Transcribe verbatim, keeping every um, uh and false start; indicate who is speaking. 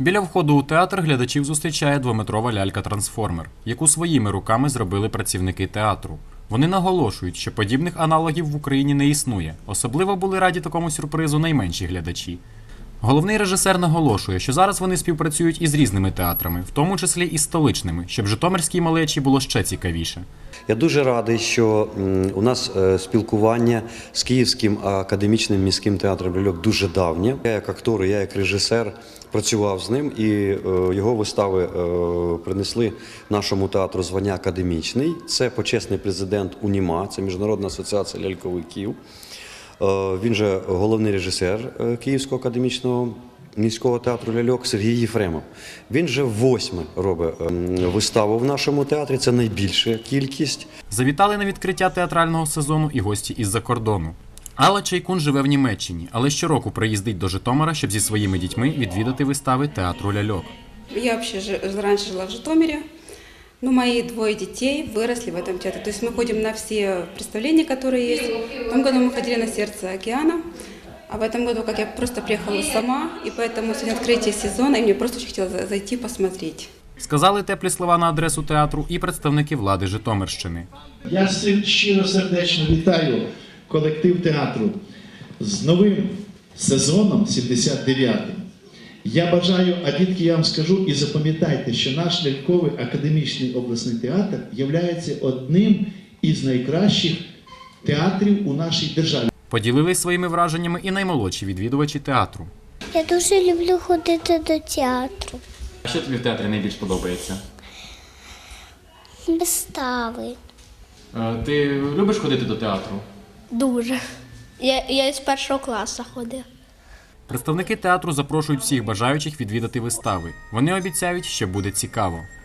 Speaker 1: Біля входу у театр глядачів зустрічає двометрова лялька-трансформер, яку своїми руками зробили працівники театру. Вони наголошують, що подібних аналогів в Україні не існує. Особливо були раді такому сюрпризу найменші глядачі. Головний режисер наголошує, що зараз вони співпрацюють із різними театрами, в тому числі і столичними, щоб житомирській малечі було ще цікавіше.
Speaker 2: Я дуже радий, що у нас спілкування з Київським академічним міським театром «Ляльок» дуже давнє. Я як актор, я як режисер працював з ним, і його вистави принесли нашому театру звання академічний. Це почесний президент УНІМА, це Міжнародна асоціація ляльковиків. Він же головний режисер Київського академічного міського театру «Ляльок» Сергій Єфремов. Він же восьме робить виставу в нашому театрі, це найбільша кількість.
Speaker 1: Завітали на відкриття театрального сезону і гості із-за кордону. Алла Чайкун живе в Німеччині, але щороку приїздить до Житомира, щоб зі своїми дітьми відвідати вистави театру «Ляльок».
Speaker 3: Я вообще раньше жила в Житомире, но мои двое детей выросли в этом театре. То есть мы ходим на все представления, которые есть. В том году мы ходили на «Сердце океана», а в этом году, как я просто приехала сама, и поэтому сегодня открытие сезона, и мне просто очень хотелось зайти посмотреть.
Speaker 1: Сказали теплі слова на адресу театру і представники влади Житомирщини.
Speaker 4: Я щиро сердечно вітаю колектив театру з новим сезоном сімдесят дев'ятим. Я бажаю, а дітки, я вам скажу, і запам'ятайте, що наш ляльковий академічний обласний театр є одним із найкращих театрів у нашій державі.
Speaker 1: Поділились своїми враженнями і наймолодші відвідувачі театру.
Speaker 5: Я дуже люблю ходити до театру.
Speaker 1: А що тобі в театрі найбільш подобається?
Speaker 5: Вистави.
Speaker 1: Ти любиш ходити до театру?
Speaker 5: Дуже. Я, я з першого класу ходив.
Speaker 1: Представники театру запрошують всіх бажаючих відвідати вистави. Вони обіцяють, що буде цікаво.